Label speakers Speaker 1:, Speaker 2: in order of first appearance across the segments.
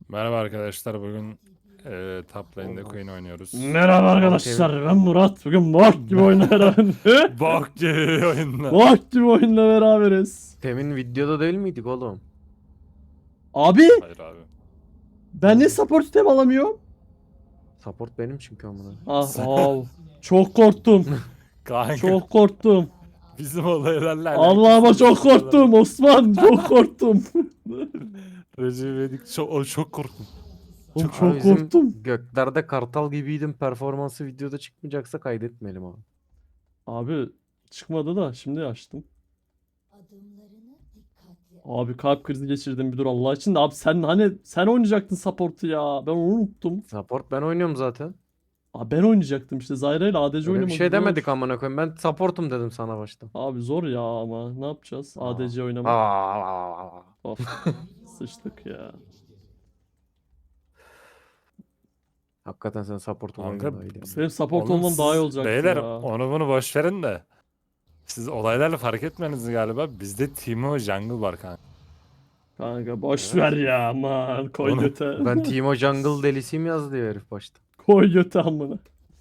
Speaker 1: Merhaba arkadaşlar, bugün top lane'de Queen oynuyoruz.
Speaker 2: Merhaba arkadaşlar, ben Murat. Bugün bok gibi oyunla beraberiz.
Speaker 1: Bok gibi oyunla.
Speaker 2: Bok gibi oyunla beraberiz.
Speaker 3: Temin videoda değil miydik oğlum?
Speaker 2: Abi
Speaker 1: Hayır abi.
Speaker 2: ben ne support item alamıyorum?
Speaker 3: Support benim çünkü amına.
Speaker 2: Çok korktum.
Speaker 1: Kanka
Speaker 2: Çok korktum.
Speaker 1: bizim olaylarla
Speaker 2: Allah'ıma çok korktum Osman. Çok korktum.
Speaker 1: Recep İvedik çok korktum.
Speaker 2: Oğlum,
Speaker 3: Abi
Speaker 2: çok
Speaker 3: bizim
Speaker 2: korktum.
Speaker 3: Göklerde kartal gibiydim performansı videoda çıkmayacaksa kaydetmeyelim abi.
Speaker 2: Abi çıkmadı da şimdi açtım.
Speaker 4: Adımlarını dikkatli
Speaker 2: Abi kalp krizi geçirdim, bir dur Allah için de. Abi sen oynayacaktın support'u ya. Ben onu unuttum.
Speaker 3: Support ben oynuyorum zaten.
Speaker 2: Abi ben oynayacaktım işte. Zyra ile ADC
Speaker 3: Öyle bir
Speaker 2: oynamak
Speaker 3: şey
Speaker 2: zor.
Speaker 3: demedik amına koyayım. Ben supportum dedim sana başta.
Speaker 2: Abi zor ya, ama ne yapacağız? ADC oynamak.
Speaker 3: Aa.
Speaker 2: Of. Sıçtık ya.
Speaker 3: Hakikaten sen support
Speaker 1: Kanka,
Speaker 3: olmayı daha iyi yani.
Speaker 2: Benim support
Speaker 1: Oğlum
Speaker 2: olmam daha iyi
Speaker 1: siz
Speaker 2: olacaktı
Speaker 1: beyler
Speaker 2: ya.
Speaker 1: onu bunu boş verin de. Siz olaylarla fark etmeniz galiba. Bizde Timo Jungle var kanka.
Speaker 2: Kanka boş ver ya, aman koy
Speaker 1: Onu-
Speaker 2: göte.
Speaker 3: Ben Timo Jungle delisiyim yazdı ya herif başta.
Speaker 2: Koy göte amına.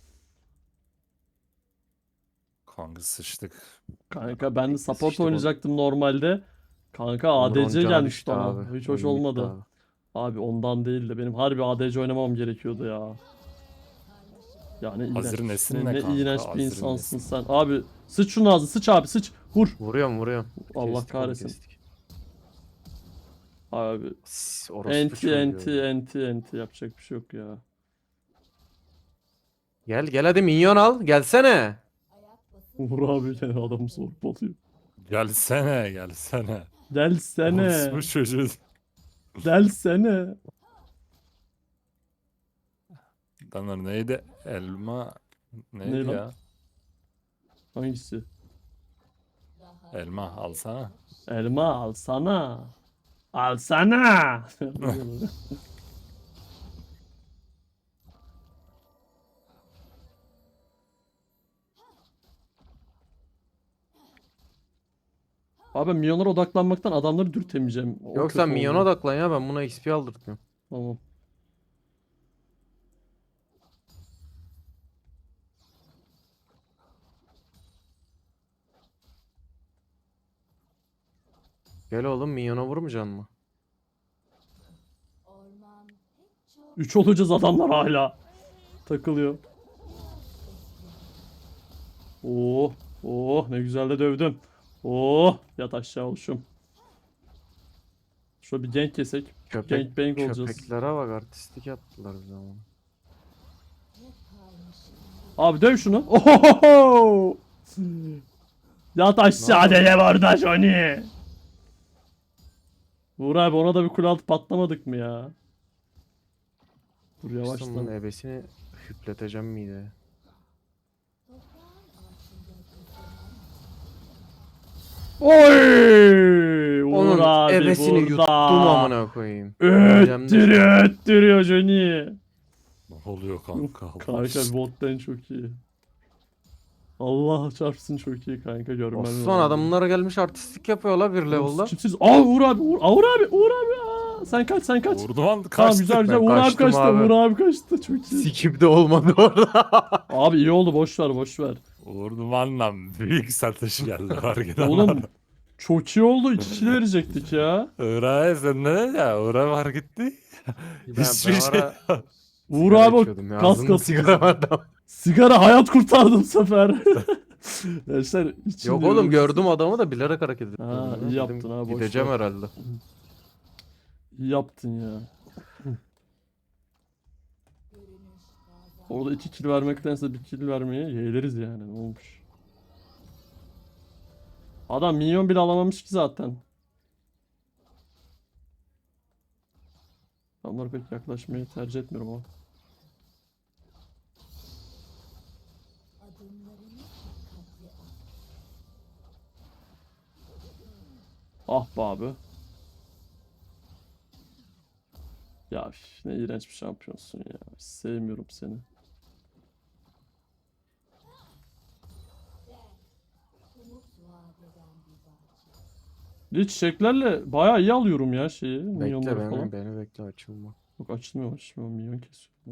Speaker 1: Kanka sıçtık.
Speaker 2: Kanka ben de support
Speaker 3: Sıçtık oğlum.
Speaker 2: oynayacaktım normalde. Kanka
Speaker 3: Onur
Speaker 2: ADC
Speaker 3: Oncan'a
Speaker 2: gelmişti
Speaker 3: düştü
Speaker 2: ama.
Speaker 3: abi.
Speaker 2: Hiç hoş
Speaker 3: Oyun bitti
Speaker 2: olmadı.
Speaker 3: abi.
Speaker 2: Abi ondan değil de benim harbi ADC oynamam gerekiyordu ya. Yani iğrenç.
Speaker 1: Hazır nesin ne
Speaker 2: ne
Speaker 1: kanka,
Speaker 2: iğrenç bir
Speaker 1: hazır
Speaker 2: insansın
Speaker 1: nesin.
Speaker 2: sen. Abi sıç şunu ağzı, sıç abi, sıç. Vur.
Speaker 3: Vuruyorum.
Speaker 2: Allah
Speaker 3: Kestik oğlum,
Speaker 2: kahretsin.
Speaker 3: kestik.
Speaker 2: Abi
Speaker 3: Orospu
Speaker 2: enti
Speaker 3: çocuğu.
Speaker 2: enti yapacak bir şey yok ya.
Speaker 3: Gel hadi minyon al. Gelsene.
Speaker 2: Vur abi, yani adamı zorbalıyor.
Speaker 1: Gelsene.
Speaker 2: Delsene.
Speaker 1: Bu çocuğu.
Speaker 2: Delsene.
Speaker 1: Adamlar neydi? Elma
Speaker 2: Ne
Speaker 1: neydi
Speaker 2: lan?
Speaker 1: ya?
Speaker 2: Hangisi?
Speaker 1: Elma alsana.
Speaker 2: Elma alsana. Alsana. Abi milyonlara odaklanmaktan adamları dürtemeyeceğim. O
Speaker 3: Yok
Speaker 2: kötü
Speaker 3: sen minyona
Speaker 2: oldu.
Speaker 3: odaklan ya, ben buna XP aldırtmıyorum.
Speaker 2: Tamam.
Speaker 3: Gel oğlum, minyona vurmayacaksın mı?
Speaker 4: orman pek çok
Speaker 2: 3 olacağız, adamlar hala takılıyor. Oh, oh ne güzel de dövdüm. Oh, yat aşağı oluşum. Şöyle bir gank kesek. Gangbang olacağız.
Speaker 3: Köpeklere bak, artistik yaptılar bize ama.
Speaker 2: Abi döv şunu. Ohohoho! Yat aşağı dede orada Johnny. Vur abi, ona da bir kule altı patlamadık mı ya? Dur
Speaker 3: Bunun
Speaker 2: yavaştan.
Speaker 3: ebesini hüpleteceğim mideye.
Speaker 2: Oy! Vur
Speaker 3: Onun
Speaker 2: abi
Speaker 3: ebesini
Speaker 2: burada.
Speaker 3: yuttum amına koyayım. Öleceğim de
Speaker 2: Öttürüyor Johnny.
Speaker 1: Ne oluyor kanka? Allah
Speaker 2: Kanka
Speaker 1: aşkına.
Speaker 2: bottan çok iyi. Allah çarpsın, çok iyi kanka, görmem
Speaker 3: Osman
Speaker 2: lazım.
Speaker 3: adamlara gelmiş artistik yapıyorlar bir level'da.
Speaker 2: Kimsiz. Aa vur abi, vur. Aa, vur abi, vur abi. Aa, sen kaç.
Speaker 1: Vurdum an
Speaker 2: Tamam
Speaker 1: kaçtı.
Speaker 2: güzel
Speaker 3: Ben
Speaker 2: Uğur abi
Speaker 3: kaçtım
Speaker 2: kaçtı.
Speaker 3: abi.
Speaker 2: Uğur abi kaçtı. Çok iyi.
Speaker 3: Sikip de olmadı orada.
Speaker 2: Abi iyi oldu, boş ver.
Speaker 1: Vurdum anlam. Büyük satış geldi fark eden var.
Speaker 2: Oğlum çok iyi oldu. 2 kill verecektik ya.
Speaker 1: Irak'a sen ne ya? Irak var gitti. Hiçbir
Speaker 3: ben
Speaker 1: şey.
Speaker 3: ara
Speaker 2: Uğur
Speaker 3: sigara
Speaker 2: abi o
Speaker 3: içiyordum ya,
Speaker 2: kas
Speaker 3: ağzımda
Speaker 2: kas.
Speaker 3: sigara vardı.
Speaker 2: Sigara hayat kurtardı bu sefer. Gençler içinde
Speaker 3: Yok oğlum,
Speaker 2: yürüyoruz.
Speaker 3: gördüm adamı da bilerek hareket ettim.
Speaker 2: Ha, iyi
Speaker 3: Dedim,
Speaker 2: yaptın ha, boş
Speaker 3: gideceğim
Speaker 2: ver.
Speaker 3: herhalde.
Speaker 2: İyi yaptın ya. Orada 2 kill vermektense 1 kill vermeye yeğleriz yani. Ne olmuş? Adam minyon bile alamamış ki zaten. Adamlara pek yaklaşmayı tercih etmiyorum ama.
Speaker 4: adımlarını dikkatli
Speaker 2: Ah be abi. Ya üf, ne iğrenç bir şampiyonsun ya. Hiç sevmiyorum seni.
Speaker 4: umut vaat eden bir bahçe.
Speaker 2: Bir çiçeklerle bayağı iyi alıyorum ya şeyi.
Speaker 3: Bekle
Speaker 2: Minyonları falan.
Speaker 3: beni bekle, açılma.
Speaker 2: Yok açılmıyor. Minyon kesiyor. Ya.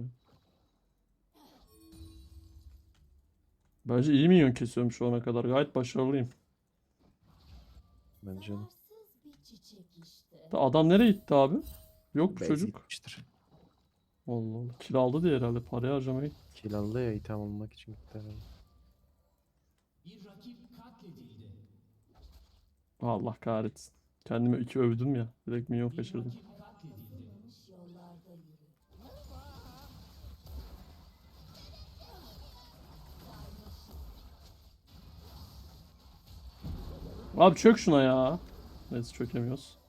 Speaker 2: Bence iyi minyon kesiyorum şu ana kadar. Gayet başarılıyım.
Speaker 3: Bence de.
Speaker 4: Zararsız bir çiçek işte.
Speaker 2: Adam nereye gitti abi? Yok bu
Speaker 3: Base
Speaker 2: çocuk.
Speaker 3: gitmiştir.
Speaker 2: Allah Allah. Kill aldı diye herhalde. Parayı harcamaya gitti.
Speaker 3: Kill aldı ya item almak için gitti herhalde.
Speaker 2: Allah kahretsin. Kendimi 2 övdüm ya. Direkt minyon kaçırdım.
Speaker 4: Yanlış yollarda yürü.
Speaker 2: Abi çök şuna ya. Neyse çökemiyoruz.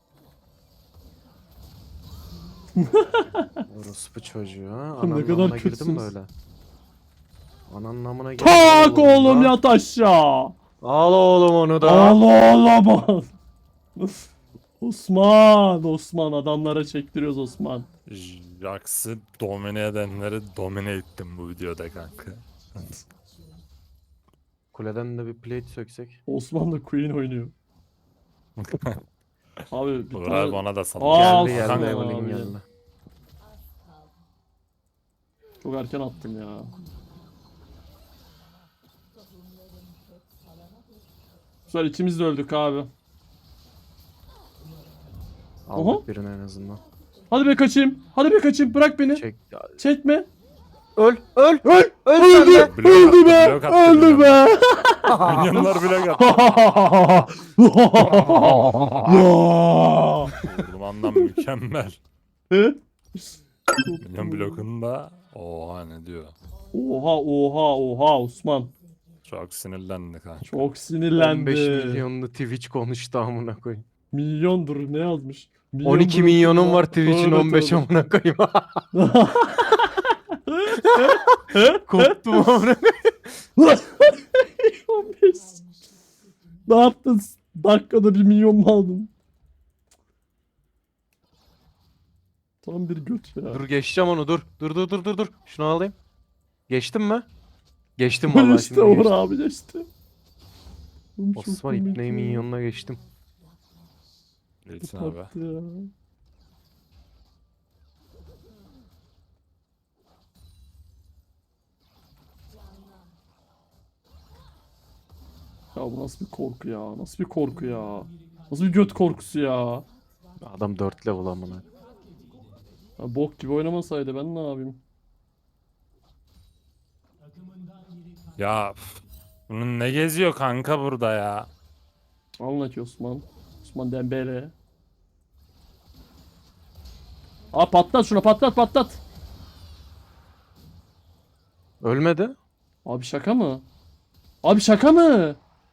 Speaker 3: Orospu çocuğu ha.
Speaker 2: Ne
Speaker 3: Ananın
Speaker 2: kadar
Speaker 3: namına girdim
Speaker 2: kötüsünüz.
Speaker 3: böyle. Ananın namına girdim.
Speaker 2: Tak oğlum
Speaker 3: da.
Speaker 2: yat aşağı.
Speaker 3: Al oğlum onu da.
Speaker 2: Allah Allah. Osman adamlara çektiriyoruz Osman.
Speaker 1: Jax'ı domine edenleri domine ettim bu videoda kanka.
Speaker 3: Kuleden de bir plate söksek.
Speaker 2: Osman da Queen oynuyor. Abi bir
Speaker 1: Uğur abi
Speaker 2: tane...
Speaker 1: ona da sal.
Speaker 2: Aa,
Speaker 3: Geldi
Speaker 2: Osman
Speaker 3: geldi
Speaker 2: abi.
Speaker 3: Evelyn geldi.
Speaker 2: Çok erken attım ya. Güzel ikimiz de öldük abi.
Speaker 3: Aldık birini en azından.
Speaker 2: Hadi be kaçayım. Hadi be kaçayım. Bırak beni.
Speaker 3: Çek.
Speaker 2: Çekme.
Speaker 3: Öl öl
Speaker 2: Öl.
Speaker 3: öl
Speaker 2: Öldü.
Speaker 3: sen de.
Speaker 1: Blok
Speaker 2: Öldü
Speaker 1: attı,
Speaker 2: be.
Speaker 1: blok attı
Speaker 2: Öldü
Speaker 1: milyonlar.
Speaker 2: be.
Speaker 1: Milyonlar blok attı.
Speaker 2: Ya.
Speaker 1: Vurmandan mükemmel.
Speaker 2: Hı?
Speaker 1: Milyon blokunda oha ne diyor.
Speaker 2: Oha Osman.
Speaker 1: Çok sinirlendi kanka.
Speaker 2: Çok sinirlendi.
Speaker 3: 15 milyonlu Twitch konuştu amına koyayım.
Speaker 2: Milyondur ne yazmış? Milyon
Speaker 3: 12
Speaker 2: blok
Speaker 3: milyonum
Speaker 2: ya.
Speaker 3: var Twitch'in
Speaker 2: Tövbe
Speaker 3: 15
Speaker 2: tövbe.
Speaker 3: amına koyayım. Koptum amına koyayım.
Speaker 2: 15. Ne yaptın? Dakikada 1 milyon mu aldın? Tam bir göt ya.
Speaker 3: Dur geçeceğim onu dur. Dur. Şunu alayım. Geçtim mi? Geçtim vallahi
Speaker 2: işte
Speaker 3: şimdi
Speaker 2: Uğur
Speaker 3: geçtim.
Speaker 2: abi geçti. Oğlum çok
Speaker 3: Osman
Speaker 2: komik
Speaker 3: İbni
Speaker 2: ya.
Speaker 3: minyonuna geçtim.
Speaker 1: Geçsin abi.
Speaker 2: Tatlı ya. Ya bu nasıl bir korku ya? Nasıl bir korku ya? Nasıl bir göt korkusu ya?
Speaker 3: Adam 4 level amına.
Speaker 2: Ya bok gibi oynamasaydı ben ne yapayım?
Speaker 1: Ya üf, bunun ne geziyor kanka burada ya?
Speaker 2: Anla ki Osman. Osman Dembele. Aa patlat şuna patlat.
Speaker 3: Ölmedi.
Speaker 2: Abi şaka mı? Abi şaka mı?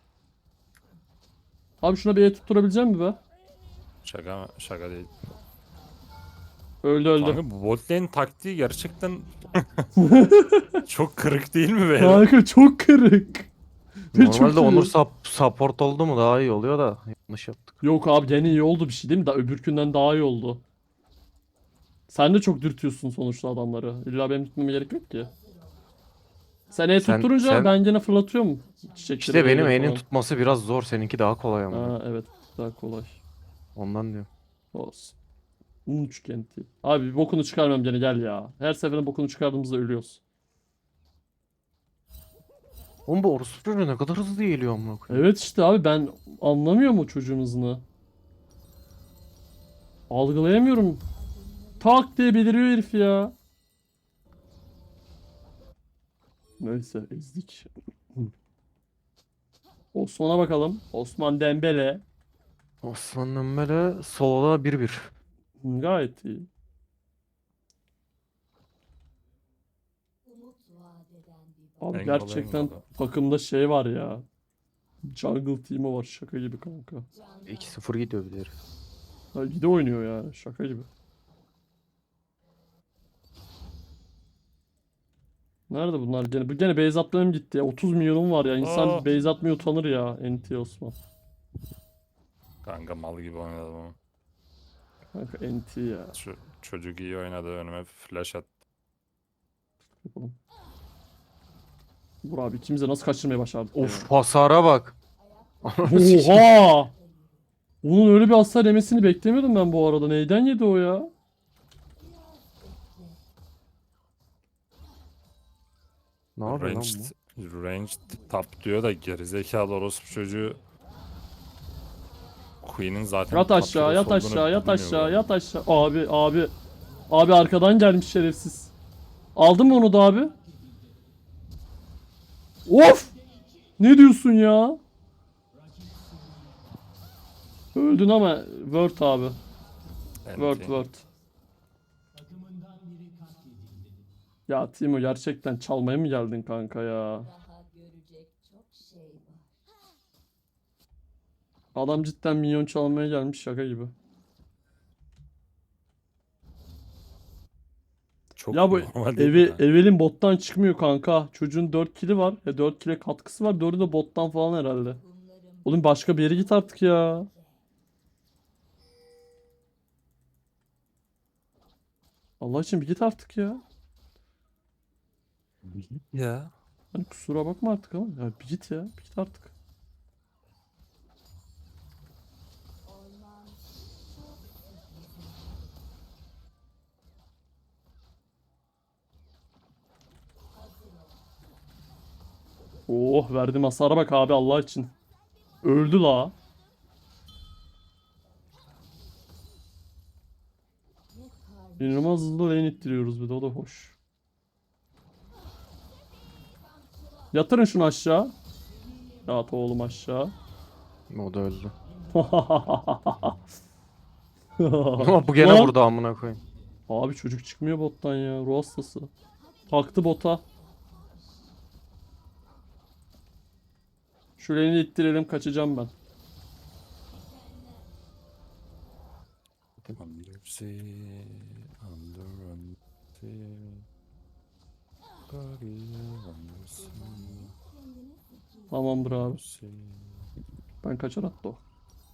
Speaker 2: Abi şuna bir el tutturabilecek mi be?
Speaker 1: Şaka mı? Şaka değil.
Speaker 2: Öldü.
Speaker 1: Kanka bu bot lane taktiği gerçekten çok kırık değil mi be?
Speaker 2: Kanka çok kırık. Ve çok
Speaker 3: Normalde
Speaker 2: iyi.
Speaker 3: Onur support oldu mu daha iyi oluyor da yanlış yaptık.
Speaker 2: Yok abi gene iyi oldu bir şey değil mi? Daha öbürkünden daha iyi oldu. Sen de çok dürtüyorsun sonuçta adamları. İlla benim tutmama gerek yok ki. Sen el
Speaker 3: Sen-
Speaker 2: tutturunca
Speaker 3: sen-
Speaker 2: ben gene fırlatıyorum çiçekleri.
Speaker 3: İşte benim
Speaker 2: böyle
Speaker 3: elin
Speaker 2: falan.
Speaker 3: tutması biraz zor. Seninki daha kolay ama.
Speaker 2: Ha evet daha kolay.
Speaker 3: Ondan diyorum.
Speaker 2: Olsun. Üçgenti. Abi bir bokunu çıkarmam gene gel ya. Her seferinde bokunu çıkardığımızda ölüyoruz.
Speaker 3: Oğlum bu orospu çocuğu ne kadar hızlı geliyor amına koyayım.
Speaker 2: Evet işte abi ben anlamıyorum o çocuğun hızını. Algılayamıyorum. Tak diye beliriyor herif ya. Neyse ezdik. Osman'a bakalım. Osman Dembele.
Speaker 3: Osman Dembele soloda 1-1.
Speaker 2: Gayet iyi.
Speaker 4: Umut vaat eden bir
Speaker 2: Abi
Speaker 1: Engel
Speaker 2: gerçekten
Speaker 1: engel.
Speaker 2: takımda şey var ya. Jungle team'i var şaka gibi kanka.
Speaker 3: 2-0 gidiyor bir de herif.
Speaker 2: Ha, bir de oynuyor ya şaka gibi. Nerede bunlar gene? Bu gene base atmam gitti ya. 30 milyonum var ya. İnsan
Speaker 1: Aa.
Speaker 2: base atmaya utanır ya. NT Osman.
Speaker 1: Kanka mal gibi oynadım ama.
Speaker 2: Kanka NT ya.
Speaker 1: Şu çocuk iyi oynadı önüme flash at.
Speaker 2: Yapalım. Vur abi ikimiz de nasıl kaçırmaya başardık
Speaker 3: Of hasara bak.
Speaker 2: ya. Oha! Onun öyle bir hasar yemesini beklemiyordum ben bu arada. Neyden yedi o ya?
Speaker 3: Ne yapıyor lan
Speaker 1: Ranged,
Speaker 3: bu?
Speaker 1: ranged top diyor da gerizekalı orospu çocuğu. Queen'in zaten
Speaker 2: Yat
Speaker 1: top
Speaker 2: aşağı,
Speaker 1: hero'su
Speaker 2: yat
Speaker 1: olduğunu
Speaker 2: aşağı, yat
Speaker 1: bilmiyor
Speaker 2: aşağı,
Speaker 1: bu.
Speaker 2: yat aşağı. Abi, abi. Abi arkadan gelmiş şerefsiz. Aldın mı onu da abi? Of! Ne diyorsun ya? Öldün ama Word abi. Word,
Speaker 1: Enti.
Speaker 2: Word. Ya Timo gerçekten çalmaya mı geldin kanka ya?
Speaker 4: Daha görecek çok şey var.
Speaker 2: Adam cidden minyon çalmaya gelmiş şaka gibi.
Speaker 1: Çok
Speaker 2: Ya bu
Speaker 1: normal değil mi de?
Speaker 2: Evelin bottan çıkmıyor kanka. Çocuğun 4 kili var. 4 kile katkısı var. 4'ü de bottan falan herhalde.
Speaker 4: Kumlarım
Speaker 2: Oğlum başka bir yere git artık ya. Allah için bir git artık ya.
Speaker 1: Ya.
Speaker 2: Hani kusura bakma artık ama. Ya bir git ya. Bir git artık.
Speaker 4: orman
Speaker 2: Oh verdim hasara bak abi Allah için. Öldü la. İnanılmaz hızlı lane ittiriyoruz bir de o da hoş. Yatırın şunu aşağı. Yat oğlum aşağı.
Speaker 3: O da öldü. Ama bu gene
Speaker 2: Lan!
Speaker 3: vurdu amına koyayım.
Speaker 2: Abi çocuk çıkmıyor bottan ya. Ruh hastası. Taktı bota. Şu lane'i ittirelim kaçacağım ben.
Speaker 1: Undersea, undersea, undersea,
Speaker 2: Tamamdır abi.
Speaker 1: undersea.
Speaker 2: Ben kaçar hatta o.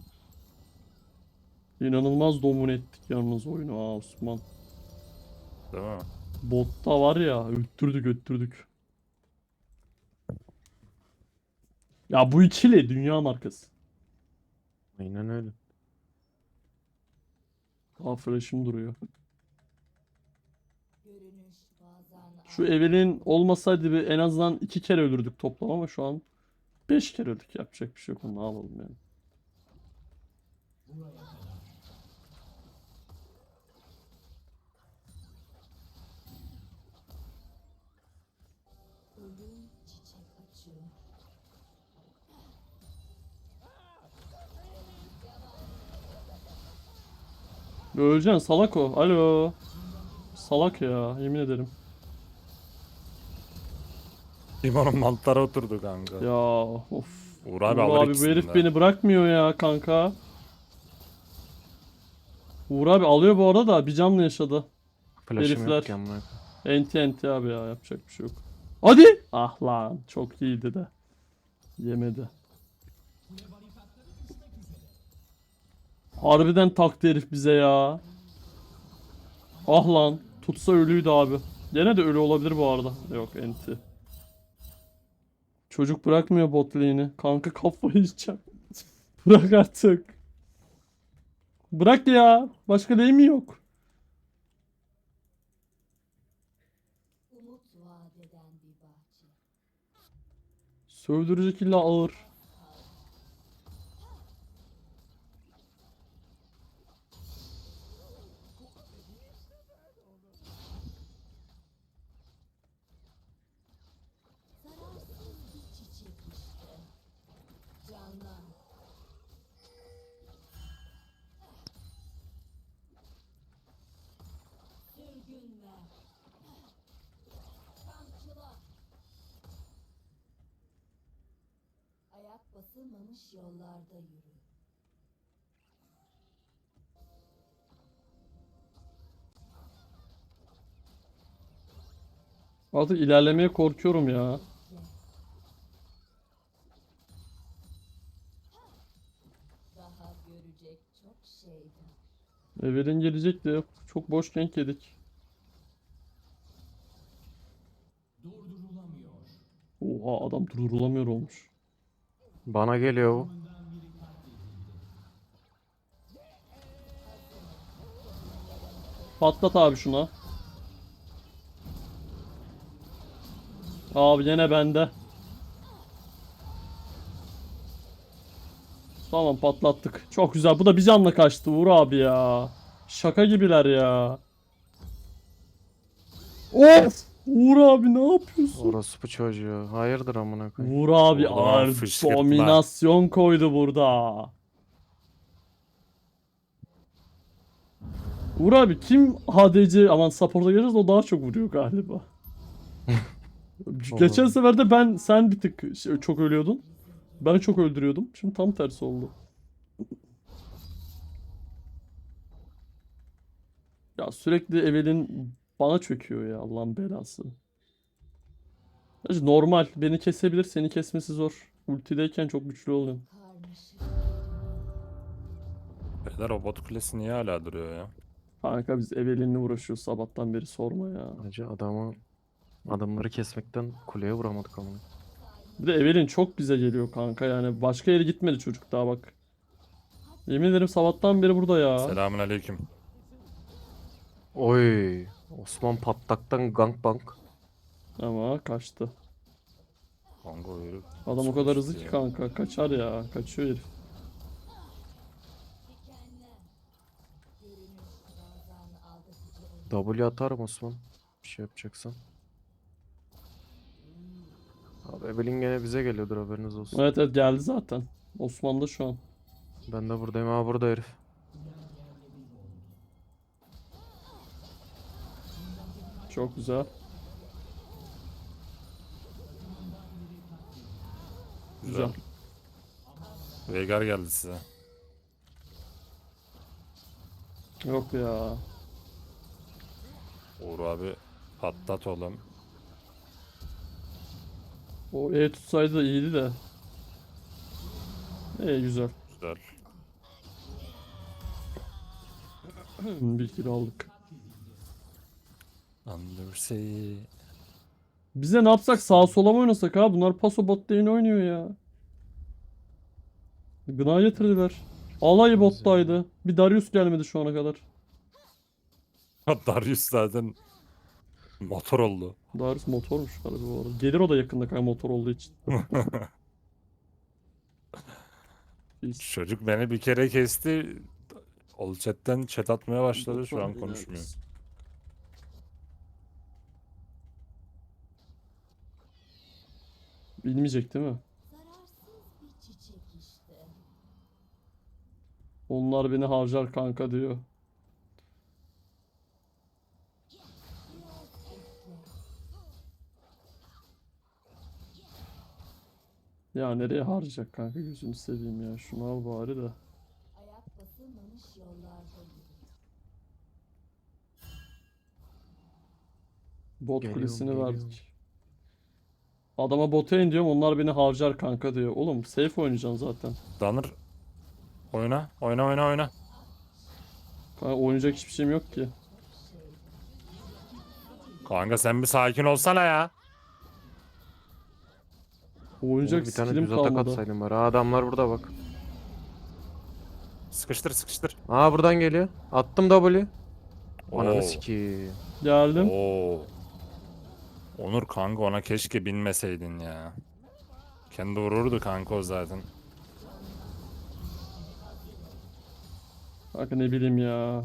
Speaker 2: İnanılmaz domine ettik yalnız oyunu ha Osman.
Speaker 1: Değil mi?
Speaker 2: Botta var ya öttürdük öttürdük. Ya bu ikili dünya markası.
Speaker 3: Aynen öyle.
Speaker 2: Aa flash'ım duruyor.
Speaker 4: görünüş bazen
Speaker 2: Şu Evelyn olmasaydı bir en azından 2 kere ölürdük toplam ama şu an 5 kere öldük. Yapacak bir şey yok. Ne yapalım yani.
Speaker 4: ölüm çiçek açıyor.
Speaker 2: Öleceksin salak o. Alo. Salak ya yemin ederim.
Speaker 1: Limonun mantılara oturdu kanka.
Speaker 2: Ya of.
Speaker 1: Uğur abi
Speaker 2: Uğur
Speaker 1: alır
Speaker 2: abi bu
Speaker 1: ikisini
Speaker 2: herif
Speaker 1: de.
Speaker 2: beni bırakmıyor ya kanka. Uğur abi alıyor bu arada da bir canla yaşadı.
Speaker 3: Flash'ım
Speaker 2: Herifler.
Speaker 3: yok ki amına koyayım.
Speaker 2: Enti enti abi ya yapacak bir şey yok. Hadi. Ah lan çok iyiydi de. Yemedi. Harbiden taktı herif bize ya. Ah lan. Tutsa ölüydü abi. Gene de ölü olabilir bu arada. Yok enti. Çocuk bırakmıyor bot lane'i. Kanka kafayı yiyeceğim. Bırak artık. Bırak ya. Başka lane mi yok?
Speaker 4: Umut vaat eden bir bahçe.
Speaker 2: Sövdürecek illa ağır.
Speaker 4: Zararsız bir çiçek işte. Canlan. Sürgün ver. Kamçıla. Ayak basılmamış yollarda yürü.
Speaker 2: Artık ilerlemeye korkuyorum ya.
Speaker 4: Daha görecek çok şey var.
Speaker 2: Evelyn gelecek de çok boş gank yedik. Oha adam durdurulamıyor olmuş.
Speaker 3: Bana geliyor bu.
Speaker 2: Patlat abi şuna. Abi yine bende. Tamam patlattık. Çok güzel. Bu da bir canla kaçtı Uğur abi ya. Şaka gibiler ya. Of! Uğur abi ne yapıyorsun?
Speaker 3: Orospu çocuğu. Hayırdır amına koyayım.
Speaker 2: Uğur abi
Speaker 1: Vurdum ama
Speaker 2: ağır
Speaker 1: fışkırtma.
Speaker 2: dominasyon koydu burada. Uğur abi kim HDC aman support'a gelirse o daha çok vuruyor galiba. Geçen sefer de sen bir tık çok ölüyordun. Ben çok öldürüyordum. Şimdi tam tersi oldu. Ya sürekli Evelyn bana çöküyor ya Allah'ın belası. Gerçi normal. Beni kesebilir, seni kesmesi zor. Ultideyken çok güçlü oluyorum.
Speaker 4: Karmaşık.
Speaker 1: Beyler robot kulesi niye hala duruyor ya?
Speaker 2: Kanka biz Evelyn'le uğraşıyoruz sabahtan beri sorma ya.
Speaker 3: Hacı adamları kesmekten kuleye vuramadık amına.
Speaker 2: Bir de Evelyn çok bize geliyor kanka yani. Başka yere gitmedi çocuk daha bak. Yemin ederim sabahtan beri burada ya.
Speaker 1: Selamünaleyküm.
Speaker 3: Oy. Osman patlaktan gangbang.
Speaker 2: Ama kaçtı.
Speaker 1: Kanka o herif
Speaker 2: Adam o kadar hızlı
Speaker 1: sıkıştı
Speaker 2: ki
Speaker 1: ya.
Speaker 2: kanka. Kaçar ya. Kaçıyor herif.
Speaker 4: Dikenler. Görünüş bazen aldatıcı olur.
Speaker 3: W atarım Osman. Bir şey yapacaksan. Abi Evelyn gene bize geliyordur haberiniz olsun.
Speaker 2: Evet evet geldi zaten. Osman'da şu an.
Speaker 3: Ben de buradayım. Ha burada herif.
Speaker 2: Çok güzel. Güzel.
Speaker 1: Güzel. Veigar geldi size.
Speaker 2: Yok ya.
Speaker 1: Uğur abi patlat oğlum.
Speaker 2: O E tutsaydı da iyiydi de. Güzel.
Speaker 1: Güzel.
Speaker 2: Bir kill aldık.
Speaker 1: Undersea.
Speaker 2: Biz de ne yapsak sağa sola mı oynasak ha? Bunlar paso bot lane oynuyor ya. Gına getirdiler. Alay bottaydı. Bir Darius gelmedi şu ana kadar.
Speaker 1: Darius zaten motor oldu.
Speaker 2: Darius motormuş galiba bu arada. Gelir o da yakında kanka motor olduğu için. Biz
Speaker 1: Çocuk beni bir kere kesti. Ol chatten chat atmaya başladı. Şu an
Speaker 2: motor
Speaker 1: konuşmuyor.
Speaker 2: değiliz. Bilmeyecek değil mi?
Speaker 4: Zararsız bir çiçek işte.
Speaker 2: Onlar beni harcar kanka diyor. Ya nereye harcayacak kanka gözünü seveyim ya. Şunu al bari de.
Speaker 4: Ayak basılmamış yollarda yürü.
Speaker 2: Bot
Speaker 3: Geliyorum,
Speaker 2: kulesini
Speaker 3: geliyorum.
Speaker 2: verdik. Adama bota in diyorum onlar beni harcar kanka diyor. Oğlum safe oynayacaksın zaten.
Speaker 1: Danır. Oyna. Oyna oyna oyna.
Speaker 2: Kanka oynayacak hiçbir şeyim yok ki.
Speaker 1: Kanka sen bir sakin olsana ya.
Speaker 2: Oynayacak
Speaker 3: Bir tane
Speaker 2: skillim
Speaker 3: düz atak
Speaker 2: kalmadı.
Speaker 3: atsaydım bari. Ha, adamlar burada bak.
Speaker 1: Sıkıştır sıkıştır.
Speaker 3: Aa buradan geliyor. Attım W.
Speaker 1: Oo.
Speaker 3: Ananı sikeyim.
Speaker 2: Geldim.
Speaker 1: Oo. Onur kanka ona keşke binmeseydin ya. Kendi vururdu kanka o zaten.
Speaker 2: Kanka ne bileyim ya.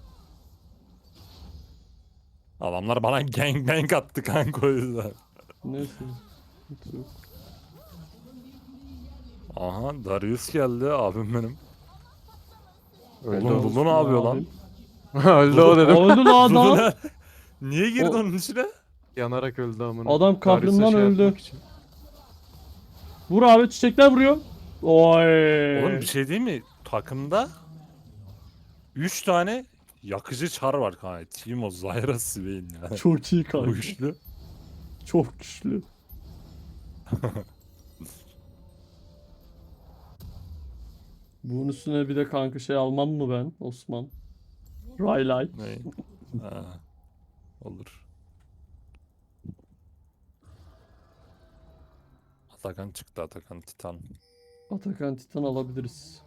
Speaker 1: Adamlar bana gangbang attı kanka o yüzden.
Speaker 2: Neyse. Hiç yok.
Speaker 1: Aha Darius geldi abim benim.
Speaker 3: Öldü
Speaker 1: Oğlum
Speaker 3: o.
Speaker 1: Lulu ne yapıyor lan?
Speaker 3: Öldü o dedim.
Speaker 2: Öldü lan
Speaker 1: Lulu
Speaker 2: adam.
Speaker 1: ne? Niye girdi
Speaker 2: O-
Speaker 1: onun içine?
Speaker 3: Yanarak öldü amına.
Speaker 2: Adam
Speaker 3: Darius'a
Speaker 2: kahrından
Speaker 3: şey
Speaker 2: öldü.
Speaker 3: yapmak için.
Speaker 2: Vur abi çiçekler vuruyor. Oy.
Speaker 1: Oğlum bir şey değil mi? Takımda 3 tane yakıcı çar var kanka. Timo, Zyra, Swain ya.
Speaker 2: Çok iyi
Speaker 1: Bu
Speaker 2: kanka.
Speaker 1: güçlü.
Speaker 2: Çok güçlü. Bunun üstüne bir de kanka şey almam mı ben Osman? Raylight.
Speaker 1: Ne? Ha, olur. Atakan çıktı Atakan Titan.
Speaker 2: Atakan Titan alabiliriz.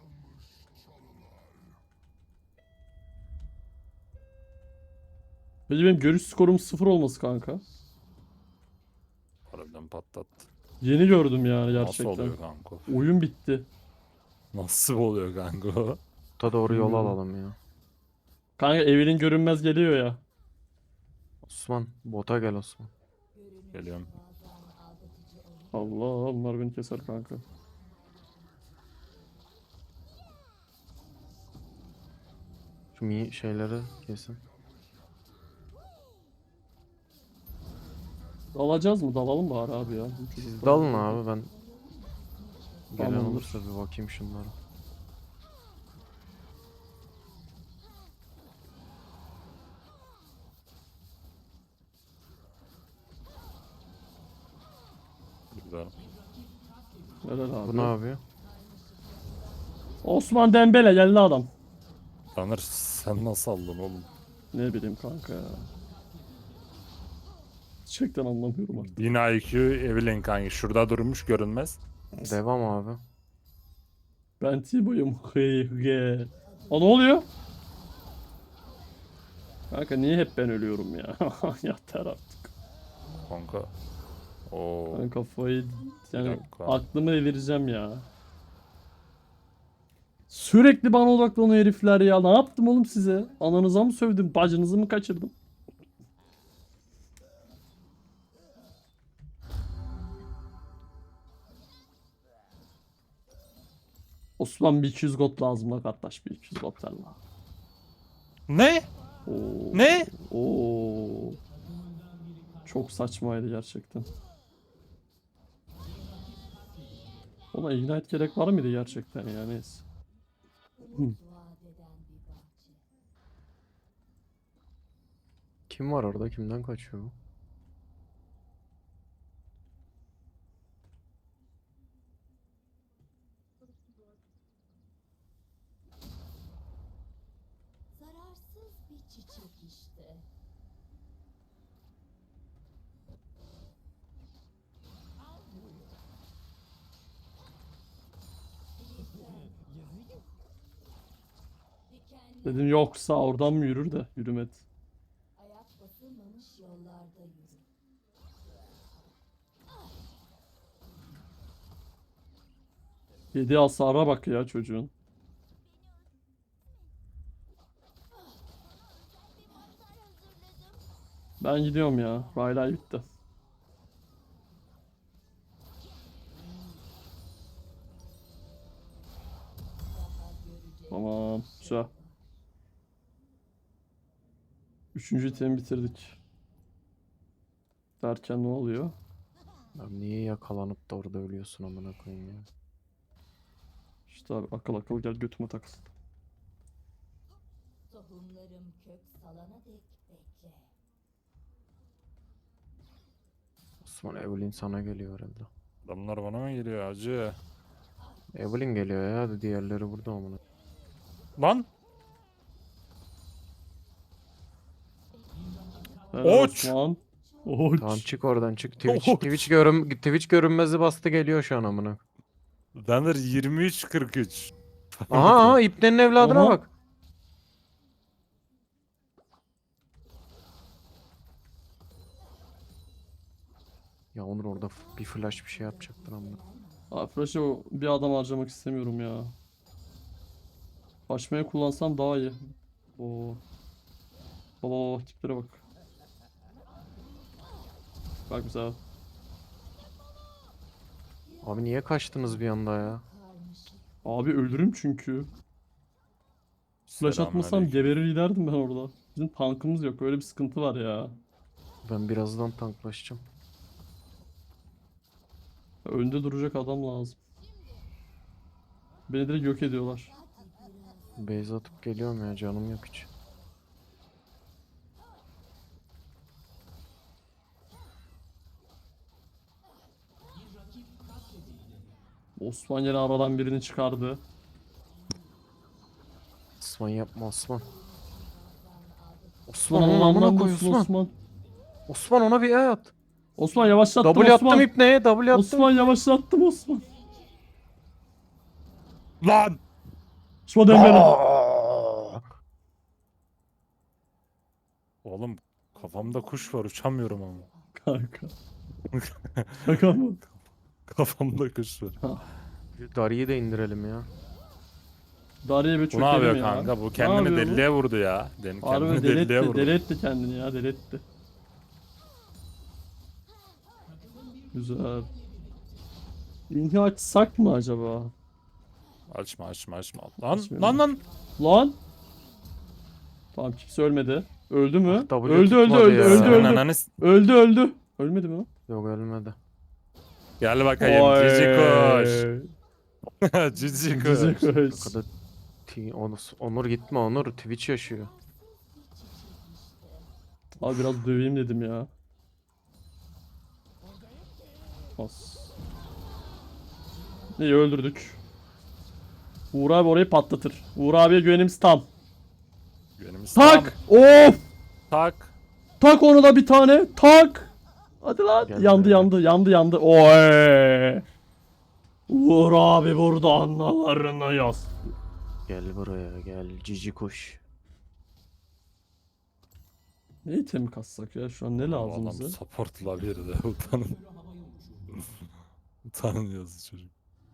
Speaker 2: Peki benim görüş skorum 0 olması kanka.
Speaker 1: Para Öldüm patlattı.
Speaker 2: Yeni gördüm yani
Speaker 1: Nasıl
Speaker 2: gerçekten.
Speaker 1: oluyor kanka?
Speaker 2: Oyun bitti.
Speaker 1: Nasıl oluyor kanka?
Speaker 3: Ta doğru yol
Speaker 2: Bilmiyorum.
Speaker 3: alalım ya.
Speaker 2: Kanka Evelyn görünmez geliyor ya.
Speaker 3: Osman bota gel Osman.
Speaker 1: Geliyorum.
Speaker 2: Allah onlar beni keser kanka.
Speaker 3: Şu şeyleri kesin.
Speaker 2: Dalacağız mı? Dalalım bari abi ya.
Speaker 3: Siz dalın abi ben gelen
Speaker 2: Tamamdır.
Speaker 3: olursa bir bakayım şunlara.
Speaker 1: Güzel.
Speaker 2: Helal abi.
Speaker 3: Bu ne yapıyor?
Speaker 2: Osman Dembele geldi adam.
Speaker 1: Tanır sen nasıl aldın oğlum?
Speaker 2: Ne bileyim kanka ya. Gerçekten anlamıyorum artık.
Speaker 1: 1000 IQ Evelyn kanka. Şurada durmuş görünmez.
Speaker 3: Devam abi.
Speaker 2: Ben Tibo'yum. Hey hey. Aa ne oluyor? Kanka niye hep ben ölüyorum ya? Yeter artık.
Speaker 1: Kanka. Oo.
Speaker 2: Ben kafayı yani
Speaker 1: dakika.
Speaker 2: aklımı evireceğim ya. Sürekli bana odaklanıyor herifler ya. Ne yaptım oğlum size? Ananıza mı sövdüm? Bacınızı mı kaçırdım? Osman bir 200 got lazım la kardeş. Bir 200 got ver la.
Speaker 1: Ne?
Speaker 2: Oo.
Speaker 1: Ne?
Speaker 2: Oo. Çok saçmaydı gerçekten. Ona ignite gerek var mıydı gerçekten ya neyse.
Speaker 4: Vaat eden bir bahçe.
Speaker 3: Kim var orada? Kimden kaçıyor bu?
Speaker 4: Zararsız bir çiçek işte. Dikenli
Speaker 2: Dedim yoksa oradan mı yürür de yürümedi.
Speaker 4: ayak basılmamış yollarda yürü.
Speaker 2: Yedi hasara bak ya çocuğun. Ben gidiyorum ya. Raylay bitti. Tamam. Güzel. Üçüncü itemi bitirdik. Derken ne oluyor?
Speaker 3: Abi niye yakalanıp da orada ölüyorsun amına koyayım ya?
Speaker 2: İşte abi akıl akıl gel götüme takıl.
Speaker 4: Tohumlarım kök salana dek bekle.
Speaker 3: Osman Evelyn sana geliyor herhalde.
Speaker 1: Adamlar bana mı geliyor acı?
Speaker 3: Evelyn geliyor ya. Hadi diğerleri burada amına.
Speaker 1: Lan!
Speaker 2: Helal
Speaker 1: Oç!
Speaker 2: Osman. Oç.
Speaker 3: Tamam çık oradan çık. Twitch,
Speaker 1: Oy.
Speaker 3: Twitch görünmezi bastı geliyor şu an amına.
Speaker 1: Denir 23-43.
Speaker 3: Aha İpne'nin evladına
Speaker 2: Aha.
Speaker 3: bak. Ya Onur orada bir flash bir şey yapacaktın amına.
Speaker 2: Abi flash'ı bir adam harcamak istemiyorum ya. Başmaya kullansam daha iyi. Oo. Baba baba tiplere bak. Bak güzel.
Speaker 3: Abi niye kaçtınız bir anda ya?
Speaker 2: Abi ölürüm çünkü. Flash atmasam
Speaker 1: Selamünaleyküm.
Speaker 2: geberir giderdim ben orada. Bizim tankımız yok. Öyle bir sıkıntı var ya.
Speaker 3: Ben birazdan tanklaşacağım.
Speaker 2: Önde duracak adam lazım. Beni direkt yok ediyorlar.
Speaker 3: Base atıp geliyorum ya canım yok hiç.
Speaker 2: Osman yine aradan birini çıkardı.
Speaker 3: Osman yapma Osman.
Speaker 2: Osman
Speaker 3: Osman onun amına
Speaker 2: Allah'ından
Speaker 3: koy
Speaker 2: bulsun
Speaker 3: Osman.
Speaker 2: Osman.
Speaker 3: Osman ona bir E at.
Speaker 2: Osman yavaşlattım
Speaker 3: W
Speaker 2: Osman.
Speaker 3: attım İpne'ye W attım.
Speaker 2: Osman yavaşlattım Osman.
Speaker 1: Lan!
Speaker 2: Osman Dembele.
Speaker 3: Aa!
Speaker 1: Oğlum kafamda kuş var uçamıyorum ama.
Speaker 2: Kanka. Şaka mı?
Speaker 1: Kafamda kuş var.
Speaker 3: Şu Dari'yi de indirelim ya.
Speaker 2: Dariye bir
Speaker 1: Bu ne
Speaker 2: çökelim
Speaker 1: yapıyor
Speaker 2: ya.
Speaker 1: kanka? Bu
Speaker 2: Ne
Speaker 1: kendini
Speaker 2: yapıyor bu?
Speaker 1: deliliğe vurdu ya.
Speaker 2: Harbi
Speaker 1: Kendini
Speaker 2: deli
Speaker 1: deliliğe
Speaker 2: etti,
Speaker 1: vurdu.
Speaker 2: deli etti kendini ya, deli etti. Güzel. İnhi açsak mı acaba?
Speaker 1: Açma açma açma. Lan
Speaker 2: Açmıyorum.
Speaker 1: lan.
Speaker 2: Lan! Tamam, kimse ölmedi. Öldü mü?
Speaker 3: Ah, W
Speaker 2: Öldü öldü
Speaker 3: tutmadı
Speaker 2: öldü
Speaker 3: ya.
Speaker 2: öldü
Speaker 1: Senin
Speaker 2: öldü.
Speaker 1: ananı
Speaker 2: Öldü öldü. Ölmedi mi o?
Speaker 3: Yok ölmedi.
Speaker 1: Gel bakayım cici kuş. Cici kuş.
Speaker 2: Cici kuş.
Speaker 3: Arkada Onur gitme Onur. Twitch yaşıyor.
Speaker 2: Abi biraz döveyim dedim ya. As. İyi, öldürdük. Uğur abi orayı patlatır. Uğur abiye güvenimiz tam.
Speaker 1: Güvenimiz
Speaker 2: Tak!
Speaker 1: tam.
Speaker 2: Of!
Speaker 1: Tak.
Speaker 2: Tak onu da bir tane. Tak! Hadi lan.
Speaker 3: Gel
Speaker 2: yandı
Speaker 3: buraya.
Speaker 2: yandı yandı yandı. Oy! Uğur abi burada analarına yaz.
Speaker 3: Gel buraya gel cici kuş.
Speaker 2: Ne item kassak ya, şu an ne lazım
Speaker 1: Adam
Speaker 2: bize?
Speaker 1: supportla bir de utanın. Utanın yazı çocuk.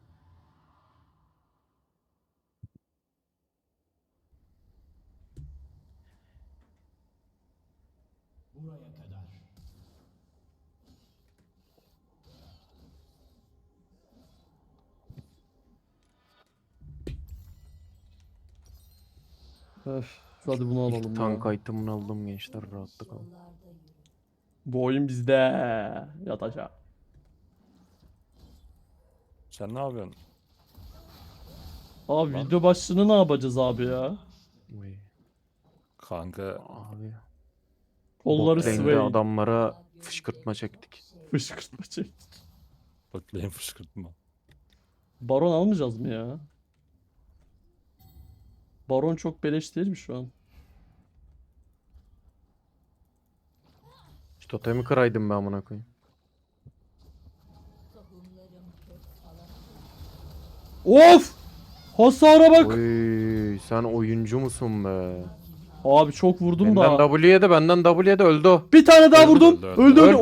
Speaker 2: Öf, hadi bunu alalım
Speaker 3: İlk
Speaker 2: ya.
Speaker 3: tank item'ını aldım gençler rahatlık alın.
Speaker 4: Yollarda yürü.
Speaker 2: Bu oyun bizde yatacak.
Speaker 1: Sen ne yapıyorsun?
Speaker 2: Abi
Speaker 1: Lan.
Speaker 2: video başlığını ne yapacağız abi ya?
Speaker 3: Uy.
Speaker 1: Kanka
Speaker 3: Abi.
Speaker 2: Kolları
Speaker 3: Bot lane'de
Speaker 2: sway.
Speaker 3: adamlara fışkırtma çektik.
Speaker 2: Fışkırtma çek.
Speaker 1: botlayın fışkırtma.
Speaker 2: Baron almayacağız mı ya? Baron çok beleş değil mi şu an?
Speaker 3: Şu totemi kıraydım ben amına koyayım.
Speaker 4: Tohumlarım kök salana
Speaker 2: Of! Hasara bak!
Speaker 3: Oy sen oyuncu musun be?
Speaker 2: Abi çok vurdum
Speaker 3: Benden
Speaker 2: da.
Speaker 3: Benden W'ye de öldü o.
Speaker 2: Bir tane daha
Speaker 1: Öldü,
Speaker 2: vurdum.
Speaker 1: öldü,
Speaker 2: Öldü
Speaker 1: öldü.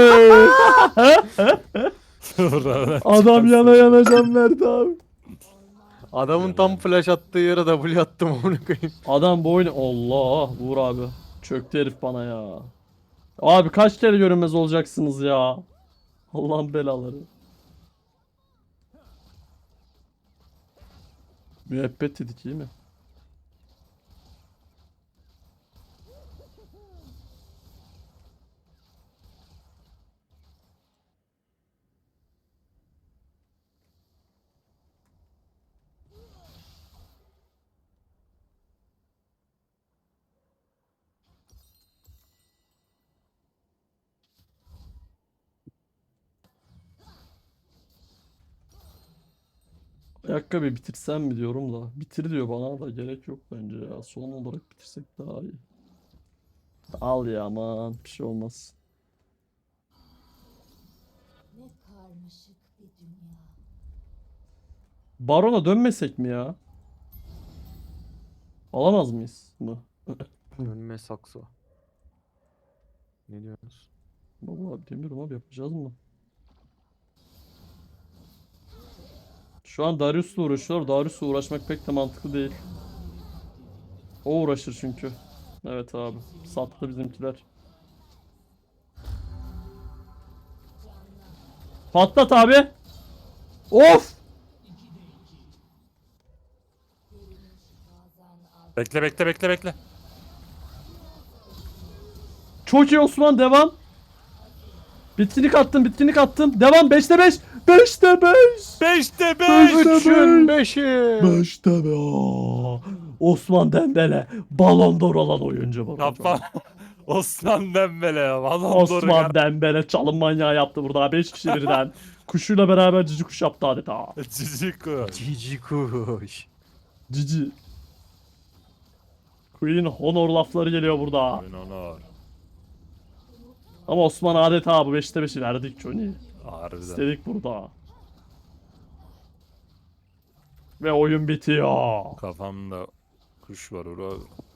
Speaker 2: öldü. Oy! Adam yana yana can verdi abi.
Speaker 3: Adamın tam flash attığı yere W attım amına koyayım.
Speaker 2: Adam bu oyunu... Allah! Vur abi. Çöktü herif bana ya. Abi kaç kere görünmez olacaksınız ya. Allah'ın belaları. Müebbet dedik iyi mi? Ayakkabı bitirsem mi diyorum da. Bitir diyor bana da, gerek yok bence ya. Son olarak bitirsek daha iyi. Al ya, aman bir şey olmaz.
Speaker 4: ne karmaşık bir dünya.
Speaker 2: Baron'a dönmesek mi ya? Alamaz mıyız mı?
Speaker 3: Önüme sakso. Ne diyorsunuz?
Speaker 2: Vallahi bilmiyorum abi, yapacağız mı? Şu an Darius'la uğraşıyorlar. Darius'la uğraşmak pek de mantıklı değil. O uğraşır çünkü. Evet abi. Sattı bizimkiler. Patlat abi. Of!
Speaker 1: Bekle bekle bekle bekle.
Speaker 2: Çok iyi Osman, devam. Bitkinlik attım, bitkinlik attım. Devam, 5'te 5. 5'te 5.
Speaker 1: 5'te 5.
Speaker 2: Beşte
Speaker 3: Üçün
Speaker 2: beş.
Speaker 3: beşi.
Speaker 2: 5'te 5. Osman Dembele. Ballon d'Or alan oyuncu bu.
Speaker 1: Kapan. Osman Dembele. Vallahi
Speaker 2: Osman Dembele çalım manyağı yaptı burada. 5 kişi birden. Kuşuyla beraber cici kuş yaptı adeta.
Speaker 1: Cici kuş.
Speaker 3: Cici kuş.
Speaker 2: Cici. Queen Honor lafları geliyor burada.
Speaker 1: Oyun onur.
Speaker 2: Ama Osman adeta bu 5'te 5'i verdik Johnny.
Speaker 1: Harbiden.
Speaker 2: İstedik burada. Ve oyun bitiyor.
Speaker 1: Kafamda kuş var orada.